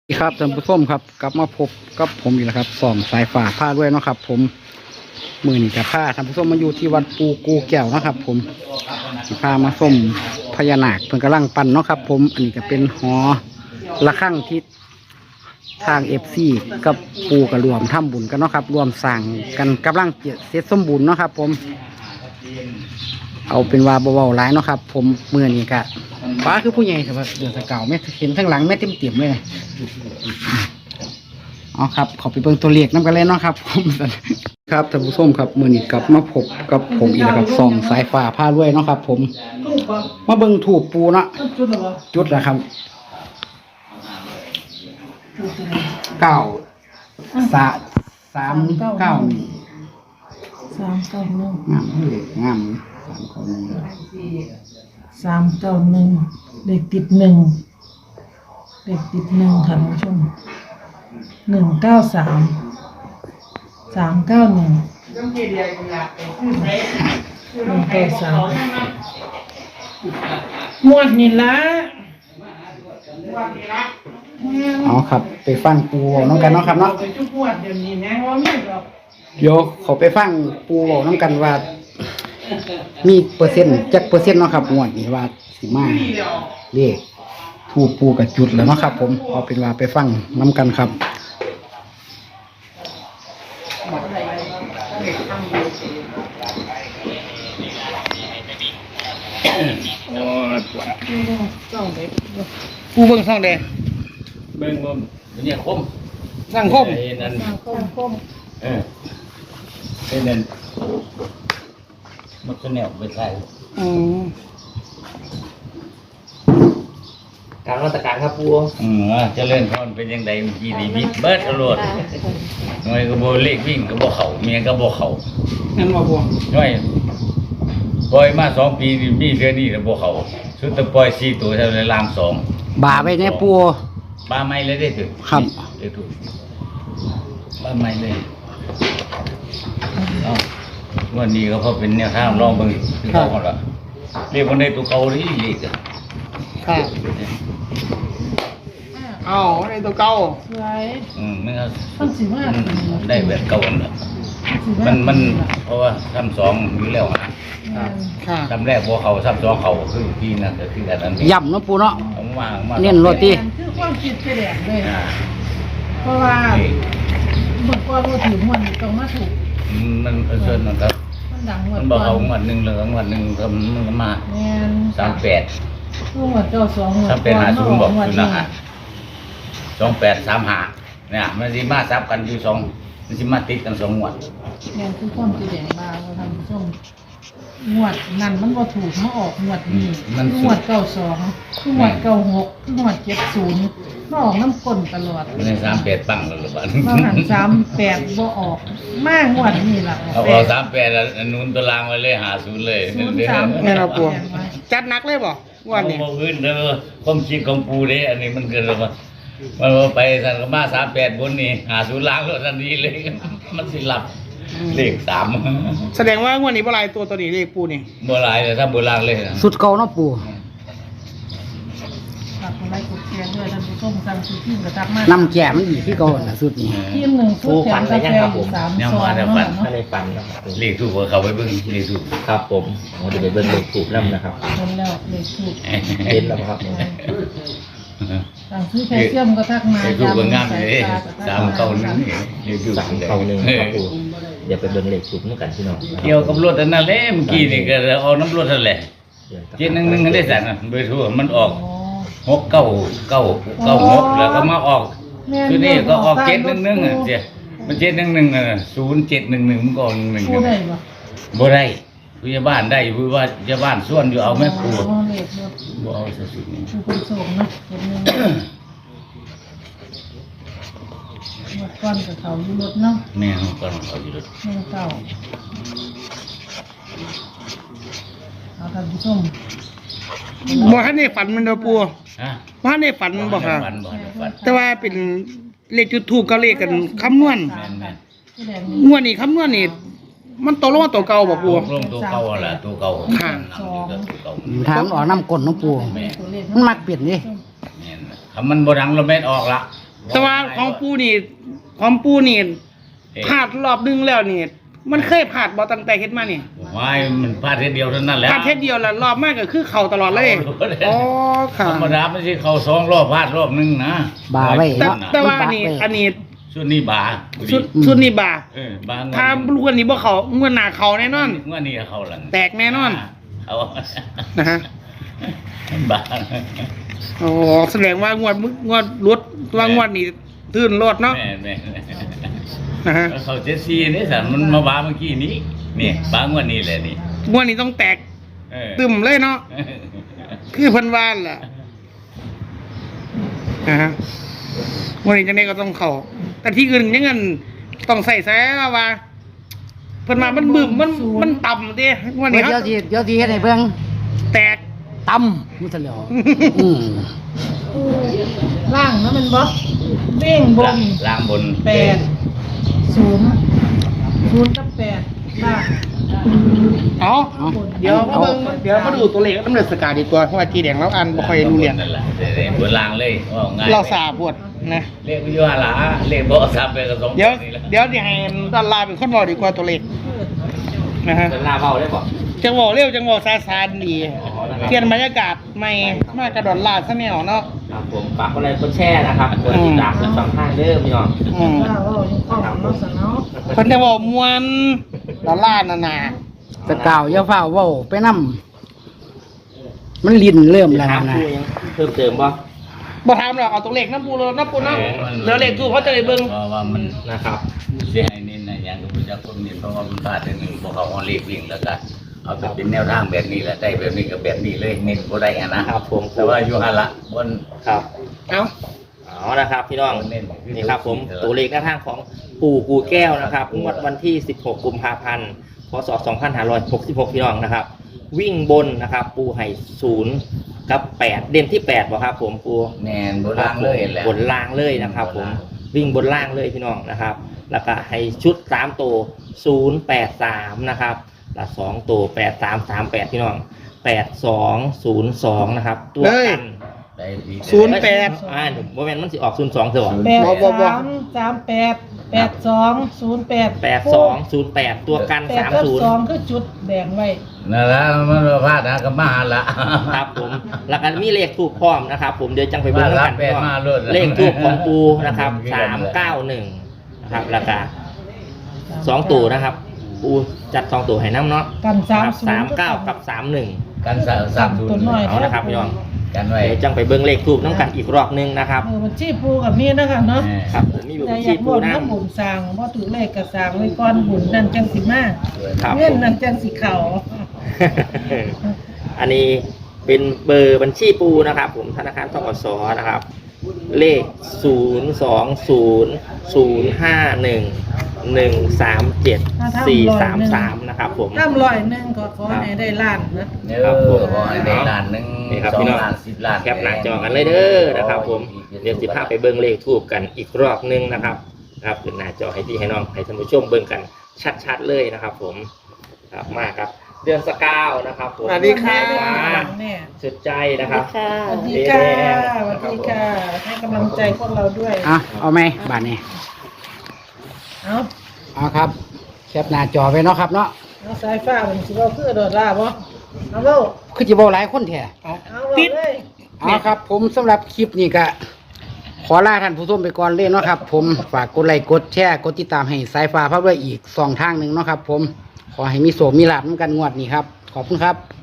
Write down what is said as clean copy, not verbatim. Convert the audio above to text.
สวัสดีครับท่านผู้ชมครับกลับมาพบกับผมอีกแล้วครับส่องสายฝ่าผ้าด้วยเนาะครับผมมือนี่กับผ้าท่านผู้ชมมาอยู่ที่วัดปูกูแก้วนะครับผมผ้ามาส้มพญานาคเพิ่งกำลังปั่นเนาะครับผมอันนี้ก็เป็นหอระฆังที่ทางFCกับปูกับรวมทำบุญกันเนาะครับรวมสั่งกันกำลังเสร็จสมบูรณ์เนาะครับผมเอาเป็นว่าเบาๆร้ายเนาะครับผมมือนี่กะฟ้าคือผู้ใหญ่แต่ว่าเดือดเก่าไม่เห็นทั้งหลังไม่เต็มๆเลยอ๋อครับขอไปเบิ่งตัวเลขน้ำกันเลยเนาะครับผมครับท่านผู้ชมครับมือนี้กลับมาพบกับผมอีกแล้วครับส่องสายฟ้าผ้าด้วยเนาะครับผมมาเบิ่งถูกปูเนาะจุดแล้วครับ391 391งามเลยงาม 391เลขติด1เลขติด1ท่านผู้ชม193 391 193หมวดนี่ละเอาครับไปฟังปูน้องกันเนาะครับเนาะเดี๋ยวเขาไปฟังปูน้องกันว่ามีเปอร์เซ็นต์จักเปอร์เซ็นต์เนาะครับงวดนี้ว่าสิมาเลขถูกปูกับจุดแล้วเนาะครับผมเอาเป็นว่าไปฟังน้ำกันครับปูเบิ่งช่องใดเบิ่งบ่เนี่ยคมสังคมนั่นคมเป็นนั่นมันก็แนวไปใส่การราชการครับปูจะเล่นพรเป็นยังไงเมื่อกี้นี่บิดเบิดตลอดหน่วยก็บ่เลขวิ่งก็บ่เข้าเมียก็บ่เข้านั่นว่าบ่หน่วยปล่อยมา2ปีนี่มีเทื่อนี้ก็บ่เข้าสุดแต่ปล่อย4ตัวเท่านั้นล่าง2 บ่าไปเนี่ยปูบ้าไม่เลยได้ถึงครับเดี๋ยวถูกบ้าไม่เลยวันนี้ก็พอเป็นแนวทางลองเบิ่งคือเขาหมดละเรียกคนในตัวเก่านี่เรียกครับเอาในตัวเก่าสวยมันก็ต้องสิว่าได้แบบเก่าน่ะมันเพราะว่าซ้ำสองอยู่แล้วนะซ้ำแรกพอเขาซ้ำสองเขาคือที่นั่นก็คืออันนั้นย่ำเนาะปูเนาะเน้นโรตีคือความคิดแสดงเลยเพราะว่าเมื่อก่อนเราถือมันต้องมาถูกมันเชิญนะครับมันดังหมดมันบอกเอาหมดหนึ่งเหลืองหมดหนึ่งมันก็มา38 หมดเจ้า2 3850บอกคือนะฮะ2835เนี่ยมันสิมาซับกันอยู่2มันสิมาติดกัน2งวดเนี่ยคือความแสดงมาเราทำส้มงวดนั่นมันบ่ถูกมาออกงวดนี้งวด92งวด96งวด70มาออกน้ำก้นตลอดมัน38ปังแล้วหรือเปล่ามาหัน38บ่ออกมางวดนี้ล่ะเอา38อันนู้นตัวรางไว้เลย50เลย 03 แม่เราปูจัดหนักเลยบ่วันนี้บ่อื่นเด้อความคิดของปูเด้อันนี้มันเกิดมามันไปสั่นก็มา38บนนี่50ล้างแล้วทันทีเลยมันสิหลับเลข3 แสดงว่างวดนี้บ่หลายตัวนี้เลขปูนี่บ่หลายแต่ถ้าบ่ล่างเลยสุดเก่าเนาะปูอะไรกดแกงด้วยท่านผู้ชมสั่งซื้อที่กระทับมาน้ำแก่มันดีที่เก่าน่ะสุดนี้ทีม1ฟุตแถมกาแฟอยู่3ซองไม่ได้ฝันครับเลขถูกเขาไปเบิ่งเลขถูกครับผมเดี๋ยวไปเบิ่งเลขถูกนำนะครับเห็นแล้วเลขถูกเห็นแล้วครับสั่งซื้อแคลเซียมก็ทักมาเลขถูกงามเลย391เลขถูก 391ครับปูเดี๋ยวไปเบิ่งเลขถูกนำกันพี่น้องเกี่ยวกับรถอันนั้นแหละเมื่อกี้นี่ก็เอาน้ำรถนั่นแหละ711ได้สั่นเบอร์โทรมันออก6996แล้วก็มาออกคือนี่ก็ออก711อ่ะเจ้มัน711อ่ะ0711มันก็ออก11 บ่ได้บ่ได้ผู้ใหญ่บ้านได้ผู้ว่าใหญ่บ้านส่วนอยู่เอาแม่ครูบ่เอาซะสุดนี่ผู้คนส่งนะหมดก้อนกับเขาอยู่รถเนาะแม่ก้อนเขาอยู่รถแม่เก่าเอาท่านผู้ชมบ่ทันได้ฝันมันเด้อปูบ่ทันได้ฝันบ่ค่ะแต่ว่าเป็นเลขจุดทูปกับเลขกันคำนวณงวดนี้คำนวณนี่มันโตลงมาตัวเก่าบ่ปูลงตัวเก่าล่ะตัวเก่าค่ะถามออกน้ำก้นน้องปูมันมักเปลี่ยนนี่มันบ่ดังเราแม่นออกละแต่ว่าของปูนี่พลาดรอบนึงแล้วนี่มันเคยพลาดบ่ตั้งแต่เฮ็ดมานี่ไม่มันพลาดเทเดียวเท่านั้นแหละพลาดเฮ็ดเดียวแล้วรอบมากก็คือเข้าตลอดเลยอ๋อธค่ะรรมดาไม่ใช่เข้า2 รอบพลาดรอบนึงนะบาไว้แต่ว่าอันนี้ชุดนี้บาชุดนี้บาบางถ้าลูกอันนี้บ่เข้างวดหน้าเข้าแน่นอนงวดนี้เข้าหลังแตกแน่นอนเอานะฮะบาอ๋อแสดงว่างวดรถว่างวดนี้ตื่นรถเนาะแม่นะฮะเขาเจสซี่นี่สันมันมาบาเมื่อกี้นี้นี่บางวดนี้แหละนี่งวดนี้ต้องแตกเออตึมเลยเนาะคือเพิ่นว่านแหละนะฮะงวดนี้จังได๋ก็ต้องเข้าแต่ที่อื่นยังงั้นต้องใส่แซ่ว่าเพิ่นมามันบึ้มมันต่ำเด้งวดนี้เดี๋ยวสิเฮ็ดให้เบิ่งแตกตำมุสลิมล่างนะมันบ่เบ้งบนล้างบน 0 กับ 8ล่างเอาเดี๋ยวมาดูตัวเลขน้ำเลือดสกาดีกว่าเพราะว่าจีแดงเราอ่านบ่ค่อยรู้เรื่องนั่นแหละบนล้างเลยว่าง่ายเราสาบวดนะเลขวิทยาละเลขบ่ซับไปกับ2 เดี๋ยวนี่แหละสิให้ดาราเป็นคนบอกดีกว่าตัวเลขนะฮะเป็นลาเบาได้บ่จังหวะเร็วจังหวะซาๆดีเปลี่ยนบรรยากาศใหม่มากระโดดลาดซะแนวเนาะครับผมฝากกดไลค์กดแชร์นะครับกดติดตามทั้งสองท่านเด้อพี่น้องอืมว่ายังคล่องเนาะซะเนาะเพิ่นจะบอกมวนดอลลาร์น่ะนะสกาวอย่าฟ้าวเว้าไปนำมันลิ้นเริ่มแล้วถามนะครูยังเพิ่มเติมบ่บ่ถามหรอกเอาตัวเลขน้ำปูเลยน้ำปูเนาะเหลือเลขทูเขาจะได้เบิ่งเพราะว่ามันนะครับสิให้เน้นนะอย่างที่จะคนเน้นเพราะว่ามันพลาดนิดนึงบ่เขาเอาเลขวิ่งแล้วก็เอาแต่เป็นแนวทางแบบนี้แหละได้แบบนี้กับแบบนี้เลยเน้นบ่ได้อะนะครับผมแต่ว่าอยู่หั่นละบนครับเอ้าเอานะครับพี่น้องนี่ครับผมตัวเลขหน้าทางของปู่กูแก้วนะครับงวดวันที่ 16 กุมภาพันธ์ พศ 2566 พี่น้องนะครับ วิ่งบนนะครับปูไห่0 กับ 8 เด่นที่ 8บ่ครับผมปูแม่นบนล่างเลยแหละบนล่างเลยนะครับผมวิ่งบนล่างเลยพี่น้องนะครับ แล้วก็ให้ชุด3ตัว083นะครับแล้ว2ตัว8338พี่น้อง8202นะครับตัวกันได้ดีโมเมนต์มันสิออก02เถอะ 83388208 ตัวกัน 8กับ2คือจุดแดงไว้นั่นละมันบ่พลาดนะก็มาหั่นละครับผมแล้วก็มีเลขทูปพร้อมนะครับ ผมเดี๋ยวจังไปเบิ่งกันมารับมาโลดเลขทูปของปูนะครับ391นะครับแล้วก็2ตัวนะครับปูจัด2ตัวให้น้ำเนาะกัน 39กับ31 กัน30 ตัวน้อยเอานะครับพี่น้องกันไว้เดี๋ยวจังไปเบิ่งเลขทูปน้ำกันอีกรอบนึงนะครับบัญชีปูกับมีนะคะเนาะครับผมมีอยู่แต่บัญอชียากรปูวมน้น้ำบุญสร้างบ่ถือเลขก็สร้างไว้ก่อนบุญนั่นจังสิมาำครับเงินนั่นจังสิเข้าอันนี้เป็นเบอร์บัญชีปูนะครับ ผมธนาคารธกสนะครับ เลข02051137433นะครับผมน้ำ100ก็ขอให้ได้ล้านนะเออขอให้ได้ล้านหนึงนี่ครับ 2 พี่น้องล้าน10ล้านแคปหน้าจอกันเลยเด้อนะครับ ผมเดี๋ยว15ไปเบิ่งเลขทูบกันอีกรอบนึงนะครับครับขึ้นหน้าจอให้พี่ให้น้องให้ท่านผู้ชมเบิ่งกันชัดๆเลยนะครับ ผมครับมากครับ เดือนสกาวนะครับผมสวัสดีค่ะแม่สุดใจนะครับสวัสดีค่ะสวัสดีค่ะให้กำลังใจพวกเราด้วยเอาไหมบาดนี้เอาเอาครับแคปหน้าจอไว้เนาะครับเนาะเอาสายฟ้ามันสิเว้าคือโดดล่าบ่เอาเว้าคือจะบอกหลายคนแท้เอาเว้าเลยเอาครับ ผมสำหรับคลิปนี้ก็ขอลาท่านผู้ชมไปก่อนเลยเนาะครับ ผมฝากกดไลค์กดแชร์กดติดตามให้สายฟ้าพาด้วยอีก2 ทางหนึ่งเนาะครับ ผมขอให้มีโสมมีลาภนำกันงวดนี้ครับ ขอบคุณครับ